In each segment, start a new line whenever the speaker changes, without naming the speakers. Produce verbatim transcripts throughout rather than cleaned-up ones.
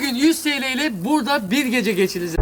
Bugün yüz T L ile burada bir gece geçireceğiz.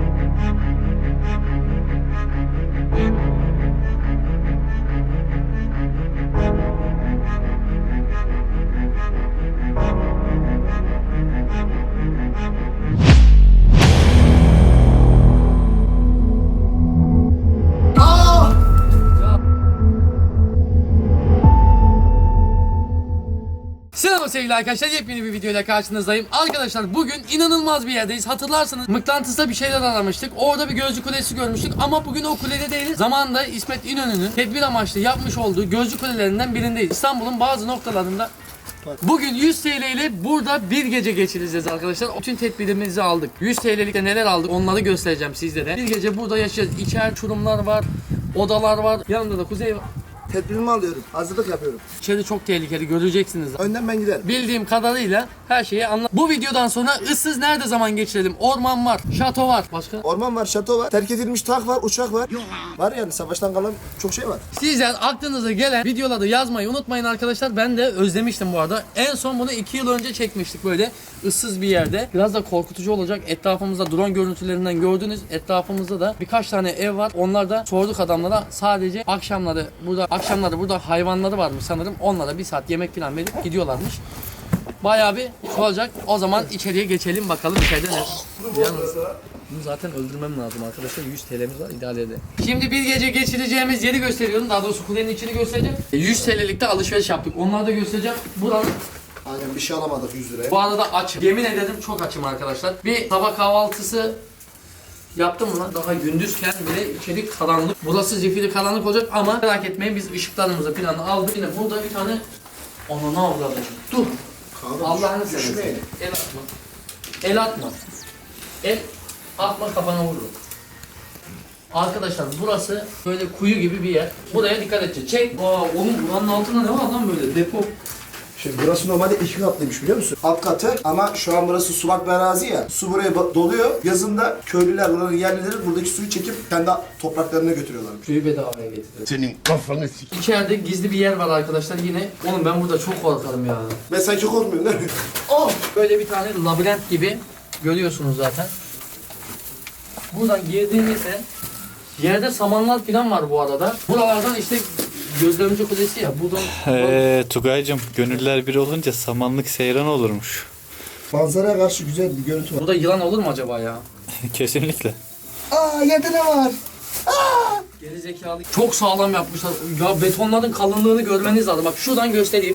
Selam sevgili arkadaşlar, yepyeni bir videoyla karşınızdayım. Arkadaşlar bugün inanılmaz bir yerdeyiz. Hatırlarsanız mıknatısla bir şeyler aramıştık. Orada bir gözcü kulesi görmüştük ama bugün o kulede değiliz. Zamanında İsmet İnönü'nün tedbir amaçlı yapmış olduğu gözcü kulelerinden birindeyiz. İstanbul'un bazı noktalarında. Bugün yüz T L ile burada bir gece geçireceğiz arkadaşlar. Bütün tedbirimizi aldık. yüz T L'likte neler aldık onları göstereceğim sizlere. Bir gece burada yaşayacağız. İçer uçurumlar var, odalar var. Yanımda da Kuzey var.
Tedbirimi alıyorum. Hazırlık yapıyorum.
İçeri çok tehlikeli, göreceksiniz.
Önden ben giderim.
Bildiğim kadarıyla her şeyi anlat. Bu videodan sonra ıssız nerede zaman geçirelim? Orman var, şato var. Başka?
Orman var, şato var, terk edilmiş tak var, uçak var. Var yani savaştan kalan çok şey var.
Sizler aklınıza gelen videoları yazmayı unutmayın arkadaşlar. Ben de özlemiştim bu arada. En son bunu iki yıl önce çekmiştik böyle ıssız bir yerde. Biraz da korkutucu olacak. Etrafımızda drone görüntülerinden gördünüz. Etrafımızda da birkaç tane ev var. Onlar da sorduk adamlara. Sadece akşamları burada akşamları burada hayvanları varmış sanırım. Onlara bir saat yemek falan verip gidiyorlarmış. Bayağı bir olacak. O zaman içeriye geçelim bakalım içeride ne. Yalnız bunu zaten öldürmem lazım arkadaşlar. yüz T L'miz var, idare edelim. Şimdi bir gece geçireceğimiz yeri gösteriyorum. Daha doğrusu kulenin içini göstereceğim. yüz T L'likte alışveriş yaptık. Onları da göstereceğim. Buranın
Aynen bir şey alamadık yüz liraya.
bu arada açım. Yemin ederim çok açım arkadaşlar. Bir sabah kahvaltısı yaptım mı lan? Daha gündüzken bile içeri karanlık. Burası zifiri karanlık olacak ama merak etmeyin biz ışıklarımızı planı aldık. Yine burada bir tane ananı avladım. Dur. Allah'ını seversen. El atma. El atma. El atma kafana vurur. Arkadaşlar burası böyle kuyu gibi bir yer. Buraya dikkat edeceğiz. Çek. Aa oğlum buranın altında ne var lan böyle depo.
Şimdi burası normalde iki katlıymış biliyor musun? Alt katı ama şu an burası sulak bir arazi ya. Su buraya doluyor. Yazında köylüler buranın yerlileri buradaki suyu çekip kendi topraklarına götürüyorlarmış.
Suyu bedavaya getiriyor.
Senin kafanı sik.
İçeride gizli bir yer var arkadaşlar yine. Oğlum ben burada çok korkarım ya.
Ben sanki korkmuyorum değil mi?
Oh! Böyle bir tane labirent gibi görüyorsunuz zaten. Buradan girdiğimizde yerde samanlar falan var bu arada. Buralardan işte gözlemci kulesi ya. Buradan
Eee Tugay'cım gönüller bir olunca samanlık seyran olurmuş.
Manzaraya karşı güzel bir görüntü var.
burada yılan olur mu acaba ya?
Kesinlikle.
Aa yerde ne var?
Geri zekalı. Çok sağlam yapmışlar. Ya betonların kalınlığını görmeniz lazım. Bak şuradan göstereyim.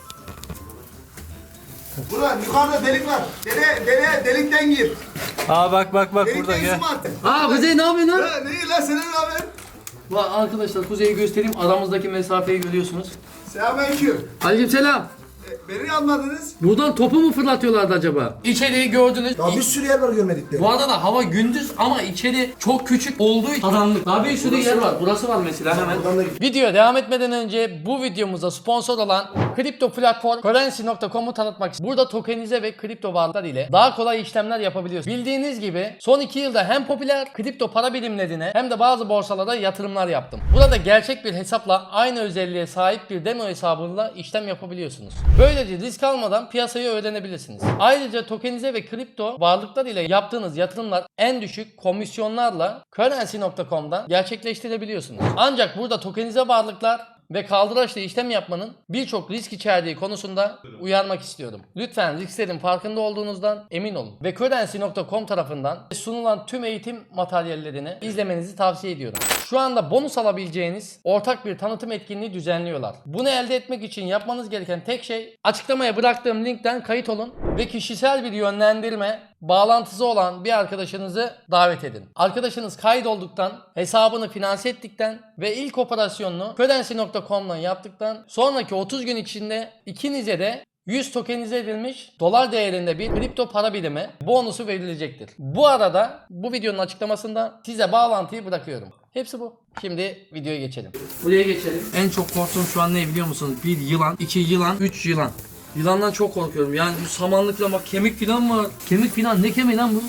Burada yukarıda delik var. Dene, dene delikten gir.
Aa bak bak bak burada
Delikten
gel.
zoom at.
Aa Kuzey ne yapıyorsun lan?
Ha, ne lan senin haber?
Bak arkadaşlar Kuzey'i göstereyim. Aramızdaki mesafeyi görüyorsunuz.
Selamünaleyküm.
Aleykümselam.
E, beni almadınız.
Buradan topu mu fırlatıyorlardı acaba? İçeriği gördünüz.
Ya bir sürü yer var görmedikleri.
Bu arada da hava gündüz ama içeri çok küçük olduğu için karanlık. Daha bir sürü yer var. Burası var mesela hemen.
Buradan da git.
Videoya devam etmeden önce bu videomuza sponsor olan kripto platform Currency nokta com'u tanıtmak istiyorum. Burada tokenize ve kripto varlıklar ile daha kolay işlemler yapabiliyorsunuz. Bildiğiniz gibi son iki yılda hem popüler kripto para birimlerine hem de bazı borsalara yatırımlar yaptım. Burada gerçek bir hesapla aynı özelliğe sahip bir demo hesabıyla işlem yapabiliyorsunuz. Böylece risk almadan piyasayı öğrenebilirsiniz. Ayrıca tokenize ve kripto varlıklar ile yaptığınız yatırımlar en düşük komisyonlarla Currency nokta com'dan gerçekleştirebiliyorsunuz. Ancak burada tokenize varlıklar ve kaldıraçlı işlem yapmanın birçok risk içerdiği konusunda uyarmak istiyorum. Lütfen risklerin farkında olduğunuzdan emin olun. Ve Currency nokta com tarafından sunulan tüm eğitim materyallerini izlemenizi tavsiye ediyorum. Şu anda bonus alabileceğiniz ortak bir tanıtım etkinliği düzenliyorlar. Bunu elde etmek için yapmanız gereken tek şey açıklamaya bıraktığım linkten kayıt olun ve kişisel bir yönlendirme bağlantısı olan bir arkadaşınızı davet edin. Arkadaşınız kaydolduktan, hesabını finanse ettikten ve ilk operasyonunu Currency nokta com'dan yaptıktan sonraki otuz gün içinde ikinize de yüz tokenize edilmiş dolar değerinde bir kripto para birimi bonusu verilecektir. Bu arada bu videonun açıklamasında size bağlantıyı bırakıyorum. Hepsi bu. Şimdi videoya geçelim. Buraya geçelim. En çok korktuğum şu an ne biliyor musunuz? Bir yılan, iki yılan, üç yılan. Yılandan çok korkuyorum. Yani bu samanlıkla bak kemik filan var. Kemik filan ne kemiği lan bu?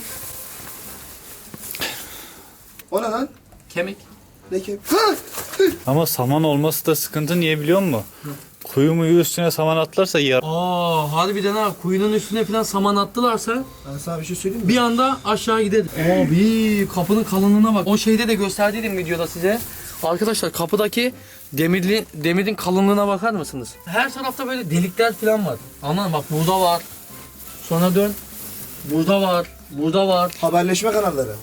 O ne lan?
Kemik.
Ne ki?
Ama saman olması da sıkıntı, niye biliyor musun? Kuyu muyu üstüne saman atlarsa yar.
Aa harbiden ha, kuyunun üstüne falan saman attılarsa
Ben sana bir şey söyleyeyim mi?
bir anda aşağı gider. Abi kapının kalınlığına bak. O şeyde de gösterdiydim videoda size. Arkadaşlar kapıdaki demirli demirin kalınlığına bakar mısınız? Her tarafta böyle delikler falan var. Aman bak, burada var. Sonra dön. Burada var. Burada var.
Haberleşme kanalları.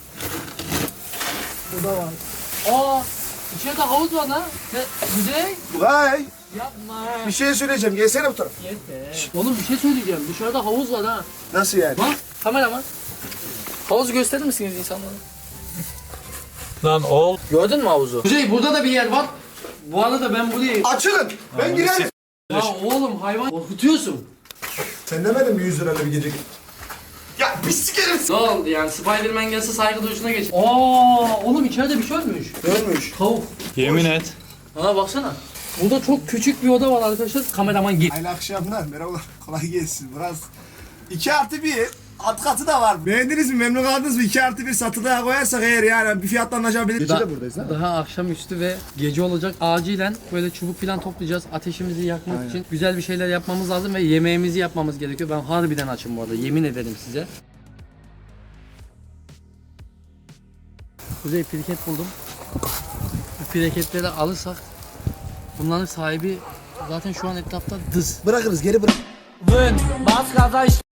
Burada var. Aa, içeride havuz var lan. Ne? Güzel.
Vay.
Yapma.
Bir şey söyleyeceğim. Gelsene bu tarafa.
Oğlum bir şey söyleyeceğim. Dışarıda havuz var ha.
Nasıl yani?
Bak kameraman. Havuzu gösterir misiniz insanlara?
Lan ol.
Gördün mü havuzu? Kuzey, burada da bir yer var. Bu arada ben burayı...
Açılın. Ben girerim.
Ya oğlum, hayvan korkutuyorsun.
Sen demedin mi yüz lirayla bir gece? Ya pislik herif.
Ne oldu yani, Spiderman gelse saygı duruşuna geç. Aa oğlum, içeride bir şey ölmüş.
Görmüş.
Tavuk.
Yemin et.
Ha baksana. Burada çok küçük bir oda var arkadaşlar. Kameraman git.
Hayırlı akşamlar. Merhabalar. Kolay gelsin. Biraz iki artı bir alt katı da var. Beğendiniz mi? Memnun kaldınız mı? iki artı bir satılığa koyarsak eğer yani bir fiyatla anlaşabiliriz. Gece de buradayız ha.
Daha akşamüstü ve gece olacak. Acilen böyle çubuk falan toplayacağız. Ateşimizi yakmak
Aynen.
için güzel bir şeyler yapmamız lazım ve yemeğimizi yapmamız gerekiyor. Ben harbiden açım bu arada. Yemin ederim size. Kuzey, pirket buldum. Bu pirketleri alırsak bunların sahibi zaten şu an etrafta dız.
Bırakırız, geri bırak.
Vın, bas gaza işte.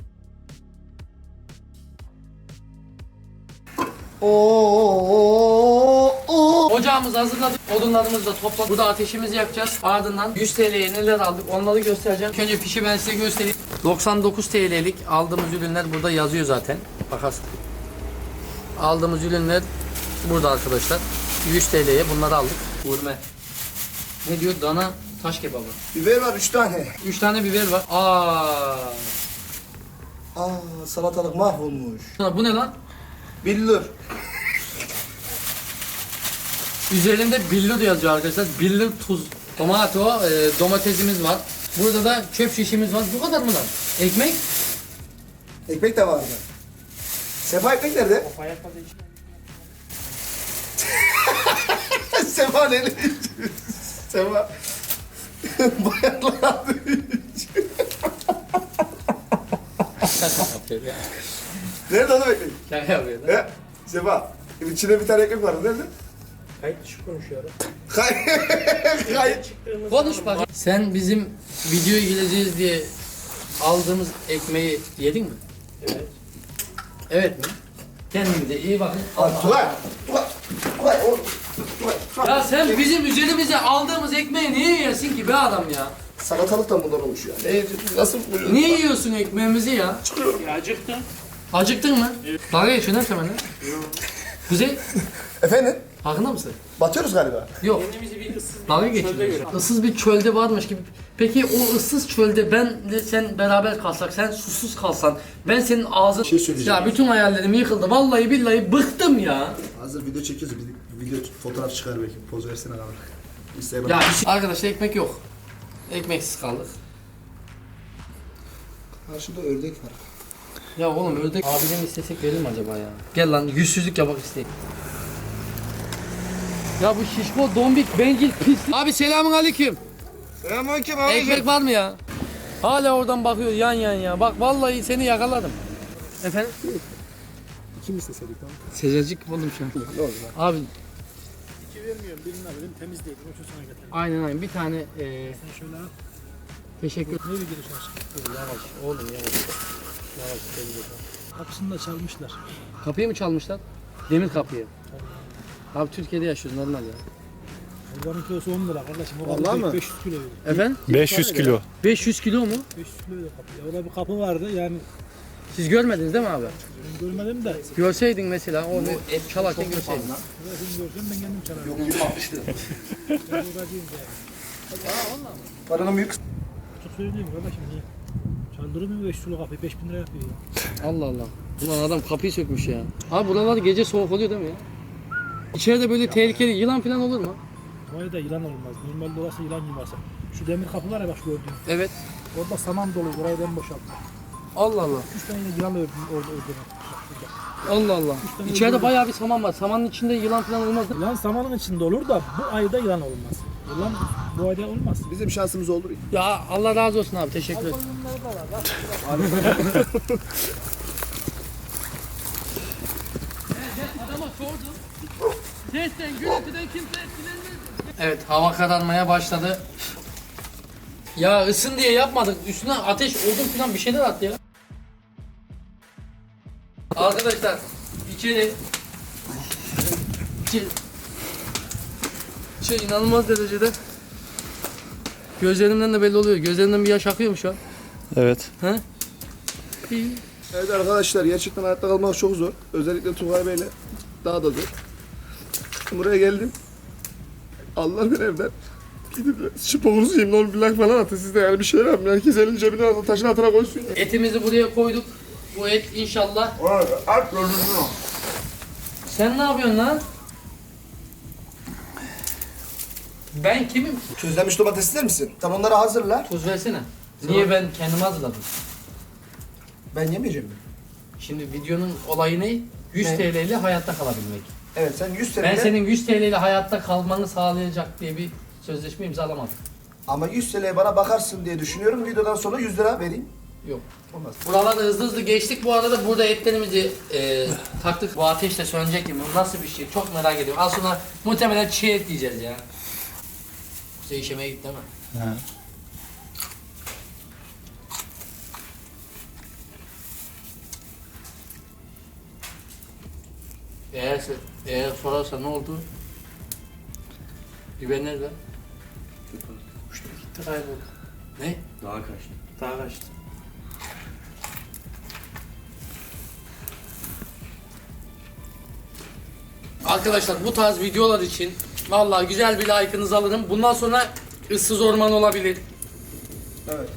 Oo, oo.
Ocağımızı hazırladık. Odunlarımızı da topladık. Burada ateşimizi yakacağız. Ardından yüz T L'ye neler aldık onları göstereceğim. İlk önce fişi ben size göstereyim. doksan dokuz T L'lik aldığımız ürünler burada yazıyor zaten. Bakarsın. Aldığımız ürünler burada arkadaşlar. yüz T L'ye bunları aldık. Gurme. Ne diyor? Dana taş kebabı.
Biber var üç tane.
üç tane biber var. Aa.
Aa, salatalık mahvolmuş.
Bu ne lan?
Billur.
Üzerinde billur yazıyor arkadaşlar. Billur tuz. Tomato, e, domatesimiz var. Burada da çöp şişimiz var. Bu kadar mı lan? Ekmek?
Ekmek de vardı. Sefa ekmek nerede? Sefa nerede? Sefa. Bayanlar.
Şaka yapıyor ya.
Nerede oğlum ekmek?
Şaka yapıyor lan.
He? Sefa. İçinde bir tane ekmek vardı. Nerede?
Kayıt dışı konuşuyorum.
Kay- Kayıt.
Konuş bakayım. Sen bizim videoya gireceğiz diye aldığımız ekmeği yedin mi?
Evet.
Evet mi? Kendinize iyi bakın.
Tugay. Tugay. Tugay oğlum. Tugay. Tugay.
Ya sen bizim üzerimize aldığımız ekmeği niye yiyorsun ki be adam ya?
Salatalık da bundan olmuş ya. Ne, nasıl bu?
Niye yiyorsun ekmeğimizi ya?
Ya acıktım.
Acıktın mı? Dalga geçiyorsun değil mi seninle? Kuzey,
Efendim?
farkında mısın?
Batıyoruz galiba.
Yok.
Kendimizi bir ıssız
Dalga
çölde
geçiyorsun.
görelim.
Issız bir çölde varmış gibi. Peki o ıssız çölde ben de sen beraber kalsak, sen susuz kalsan, ben senin ağzın...
şey söyleyeceğim.
Ya bütün hayallerim yıkıldı. Vallahi billahi bıktım ya.
Hazır video çekiyoruz. Bir video fotoğraf çıkar belki. Poz versene abi. Instagram.
Ya arkadaşlar ekmek yok. Ekmeksiz kaldık.
Karşıda ördek var.
Ya oğlum ördek abiden istesek verir mi acaba ya? Gel lan yüzsüzlük yapak isteyeyim. Ya bu şişko, dombik, bencil, pis. Abi selamun aleyküm.
Selamünaleyküm
Ekmek var mı ya? Hala oradan bakıyor yan yan ya. Bak vallahi seni yakaladım. Efendim?
Kim isteseydik tamam.
Sıcacık buldum şu an.
Ne oldu lan?
Abi
İki vermiyorum birini alayım temiz değil. O şu sana getireyim.
aynen aynen bir tane e,
Sen şöyle al.
teşekkür
Ne bir giriş aşkım.
Yavaş oğlum yavaş. Yavaş tebrik ederim.
Kapısını da çalmışlar.
Kapıyı mı çalmışlar? Demir kapıyı. Abi Türkiye'de yaşıyoruz normal ya.
Hayvanın kilosu on lira kardeşim. O
Vallahi
kapı
mi?
beş yüz kilo veriyor.
Efendim?
beş yüz kilo.
beş yüz kilo mu?
beş yüz kilo veriyor kapı. Ya orada bir kapı vardı yani
Siz görmediniz değil mi abi?
ben görmedim de.
Görseydin mesela onu et çalarken görseydin.
Burasını görsem ben kendim çalarım.
Yok yüz altmış lira.
Ben buradayım yani.
Paranın büyük
Çok söyleyeyim kardeşim niye? Çaldırır mı beş yüz kilo kapıyı? beş bin lira yapıyor ya.
Allah Allah. Ulan adam kapıyı sökmüş ya. Abi buralar gece soğuk oluyor değil mi ya? İçeride böyle tehlikeli yılan falan olur mu?
Orada da yılan olmaz. Normalde orası yılan yuvası. Şu demir kapı var ya bak gördüğün.
Evet.
Orada saman dolu. Orayı ben boşalttım.
Allah Allah.
Üç tane yine yılan ördüm orada ördüm.
Allah Allah. İçeride bayağı bir saman var. Samanın içinde yılan falan olmaz değil mi?
Yılan samanın içinde olur da bu ayda yılan olmaz. Ulan bu ayda olmaz.
Bizim şansımız olur.
Ya Allah razı olsun abi, teşekkür ederim. Adama sordum. Sesten, gürültüden kimse etkilenmez. Evet, hava kararmaya başladı. Ya ısın diye yapmadık. Üstüne ateş, odun falan bir şeyler attı ya. Arkadaşlar, içeri. İçeri. Şey inanılmaz derecede. Gözlerimden de belli oluyor. Gözlerimden bir yaş akıyor mu şu an?
Evet.
He? İyi.
Evet arkadaşlar, gerçekten hayatta kalmak çok zor. Özellikle Tugay Bey'le daha da zor. Buraya geldim. Allah ben evden gidip sporunuzu yiyeyim, ne olur bir like falan atın siz de, yani bir şeyler yapın. Herkes elini cebine alın, taşın altına koysun.
Etimizi buraya koyduk. Bu et inşallah.
At gözünü.
Sen ne yapıyorsun lan? Ben kimim?
Közlenmiş domates ister misin? Tam onları hazırla.
Tuz versene. Niye ben kendim hazırladım?
Ben yemeyeceğim mi?
Şimdi videonun olayı ne? yüz
Ne?
T L ile hayatta kalabilmek.
Evet, sen yüz
Ben
senede
senin yüz T L ile hayatta kalmanı sağlayacak diye bir sözleşme imzalamadım.
ama yüz T L'ye bana bakarsın diye düşünüyorum. Videodan sonra yüz lira vereyim.
Yok.
Olmaz.
Buralarda hızlı hızlı geçtik. Bu arada burada etlerimizi e, taktık. Bu ateşle sönecek mi? Bu nasıl bir şey? Çok merak ediyorum. Az sonra muhtemelen çiğ et yiyeceğiz ya. Kuzey işemeye gitti değil mi?
Ha.
Eğer, eğer sorarsa ne oldu? Biber nerede? Uçtu gitti kayboldu. Ne?
Daha kaçtı.
Daha kaçtı. Arkadaşlar bu tarz videolar için vallahi güzel bir like'ınızı alırım. Bundan sonra ıssız orman olabilir.
Evet.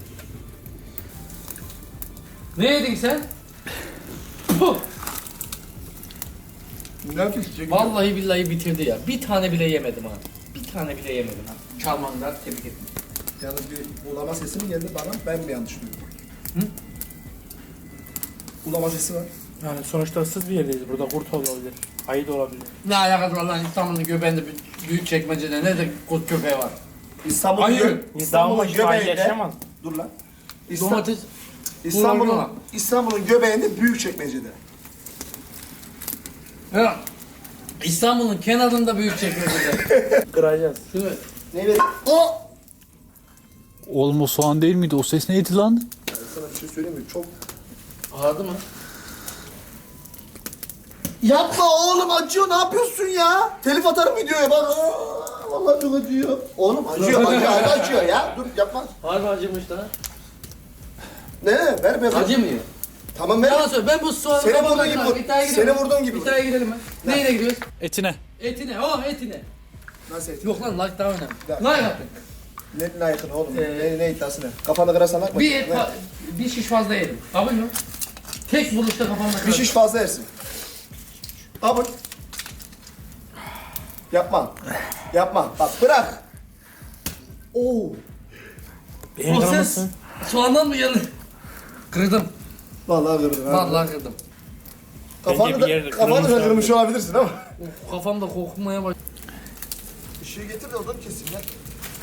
Ne yedin sen? Puh!
Ne yapıyorsun?
Vallahi billahi bitirdi ya. Bir tane bile yemedim ha. Bir tane bile yemedim ha. Çalmanlar tebrik ederim.
Yalnız bir ulama sesi mi geldi bana? Ben mi yanlış duydum?
Hı?
Ulama sesi var.
Yani sonuçta ıssız bir yerdeyiz. Burada kurt olabilir. Ayı da olabilir.
Ne alakası var lan, İstanbul'un göbeğinde bir büyük çekmecede ne de kurt köpeği var.
İstanbul'un
Hayır.
gö İstanbul'un göbeğinde.
yaşayamaz.
Dur lan. İsta-
Domates
İstanbul'un
Bunlar
İstanbul'un göbeğinde büyük çekmecede.
ya. İstanbul'un kenarında büyük çekmecede.
Kıracağız.
Şunu
Ne vereyim?
o
Oğlum o soğan değil miydi? O ses neydi lan?
Ben sana bir şey söyleyeyim mi? Çok...
ağrıdı mı?
Yapma oğlum, acıyor, ne yapıyorsun ya? Telif atarım videoya bak. Aa, vallahi çok acıyor. Oğlum acıyor, acıyor, hala acıyor ya. Dur yapma.
Harbi acımış da.
Ne? Ver ver.
Acımıyor.
Tamam ver.
Yalan söyle, ben bu soğanı
Seni
kafamda
vurduğun gibi
kırar.
vur.
İddiaya gidelim.
Seni vurduğun gibi vur.
İddiaya gidelim mi? Neyle gidiyoruz?
Etine.
Etine. Oh etine.
Nasıl et?
Yok lan like daha önemli.
Ya.
Like atın.
Ne, ne yakın oğlum?
Ee,
ne, ne iddiası ne? Kafana kırarsan akma.
Bir et,
Ne?
fa- bir şiş fazla yedim. Kabul mü? Tek vuruşta kafamda
Bir
kırarım.
şiş fazla yersin. Kabul. Yapma. Yapma. Bak bırak. Oo.
Benim
O ses
kırmızı.
soğandan mı geldi? Kırdım.
Vallahi kırdın ha.
Vallahi kırdım.
Kafanı
Bence
da,
bir yerde
kafanı
kırılmış
da
abi.
kırmış olabilirsin ama.
Of, kafamda kokmaya başladı.
Işığı getir de oradan keseyim lan.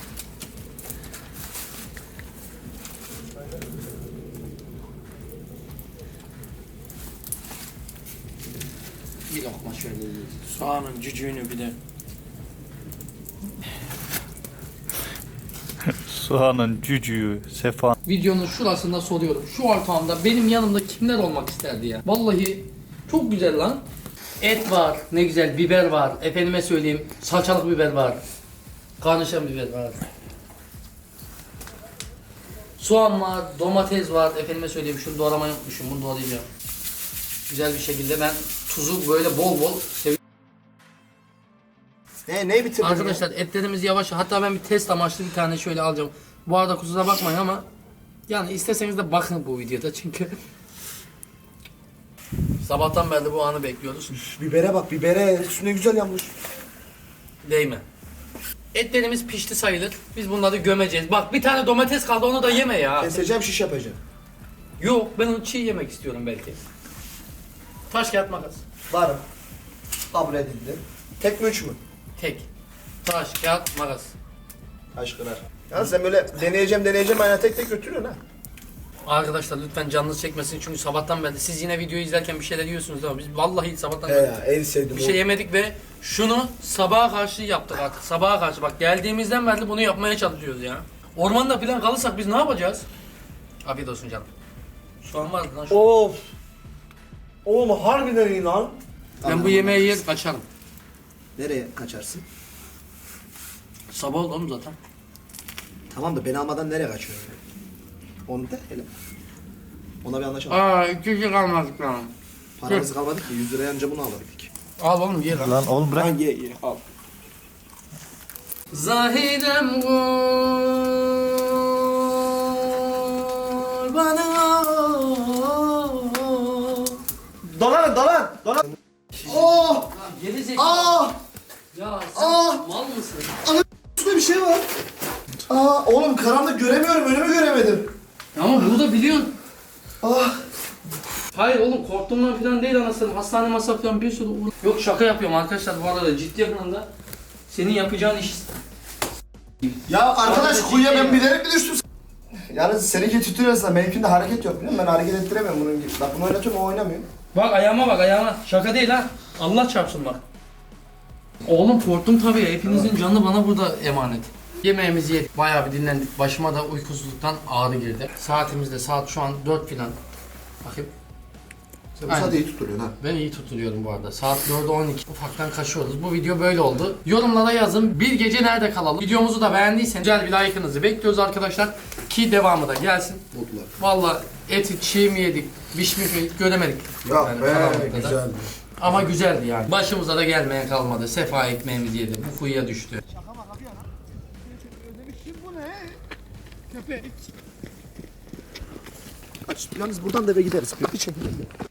Bir lokma şöyle yiyeceğiz.
Soğanın cücüğünü bir de.
Soğanın cücüğü, sefa.
Videonun şurasında soruyorum. Şu ortamda benim yanımda kimler olmak isterdi ya? Vallahi çok güzel lan. Et var, ne güzel, biber var. Efendime söyleyeyim, salçalık biber var. Karnışan biber var. Soğan var, domates var. Efendime söyleyeyim, şunu doğramayı unutmuşum. Bunu doğrayacağım. Güzel bir şekilde ben tuzu böyle bol bol seviyorum.
Ne, neyi bitirdin
Arkadaşlar etlerimiz yavaş. Hatta ben bir test amaçlı bir tane şöyle alacağım. Bu arada kusura bakmayın ama yani isteseniz de bakın bu videoda çünkü sabahtan beri bu anı bekliyoruz.
ya? Bibere bak, bibere. Üstüne güzel yanmış.
Değme. Etlerimiz pişti sayılır. Biz bunları gömeceğiz. Bak bir tane domates kaldı, onu da yeme ya.
Keseceğim, şiş yapacağım.
Yok, ben onu çiğ yemek istiyorum belki. Taş kağıt makas.
Varım. Kabul edildi. Tek mi üç mü?
Tek. Taş kağıt makas.
Aşkına. Ya sen böyle deneyeceğim deneyeceğim aynen tek tek götürüyorsun ha.
Arkadaşlar lütfen canınız çekmesin çünkü sabahtan beri siz yine videoyu izlerken bir şeyler yiyorsunuz ama biz vallahi sabahtan
He
beri
ya en sevdiğim
bir şey yemedik ve şunu sabaha karşı yaptık artık. Sabaha karşı bak geldiğimizden beri bunu yapmaya çalışıyoruz ya. Ormanda falan kalırsak biz ne yapacağız? Afiyet olsun canım. Şu an var lan şu.
Of. Oğlum harbiden iyi lan.
Ben bu yemeği yer kaçarım.
Nereye kaçarsın?
Sabah oldu oğlum zaten.
Tamam da beni almadan nereye kaçıyorsun? Onu da hele. Ona bir anlaşalım.
Aa iki kişi kalmadık lan.
Paramız kalmadı ki yüz liraya anca bunu alabildik.
Al oğlum ye lan.
Lan oğlum bırak.
Lan ye ye al.
Zahidem bana.
Dolan dolan dolan. Oh!
Geri zekalı.
Aa!
Ya sen
Aa!
mal mısın?
Üstünde bir şey var. Aa oğlum karanlık göremiyorum önümü göremedim.
Ama bunu da biliyorsun.
Ah!
Hayır oğlum korktuğumdan falan değil anasını. Hastane masrafı falan bir sürü uğra- Yok şaka yapıyorum arkadaşlar bu arada ciddi anlamda. Senin yapacağın iş.
Ya arkadaş
Sadece
kuyuya
ciddi
ben bilerek mi düştüm? Yalnız seninki tutuyorsa da benimkinde hareket yok biliyor musun? Ben hareket ettiremiyorum bunun gibi. Bak bunu oynatıyorum o oynamıyor.
Bak ayağıma bak ayağıma. Şaka değil ha. Allah çarpsın bak. Oğlum korktum tabii ya. Hepinizin canı bana burada emanet. Yemeğimizi yedik. Bayağı bir dinlendik. Başıma da uykusuzluktan ağrı girdi. Saatimiz de saat şu an dört filan. Bakayım.
Sen bu
Aynen.
saate iyi tutturuyorsun ha.
Ben iyi tutuluyorum bu arada. Saat dörde on iki. Ufaktan kaçıyoruz. Bu video böyle oldu. Yorumlara yazın. Bir gece nerede kalalım? Videomuzu da beğendiyseniz güzel bir like'ınızı bekliyoruz arkadaşlar. Ki devamı da gelsin.
Mutlular.
Valla eti çiğ mi yedik, pişmiş mi yedik göremedik.
Ya
Yani
be
karanlıkta da.
güzeldi.
Ama güzeldi yani. Başımıza da gelmeyen kalmadı. Sefa ekmeğimizi yedi. Bu kuyuya düştü.
Aç, yalnız buradan da eve gideriz. Bir çekelim.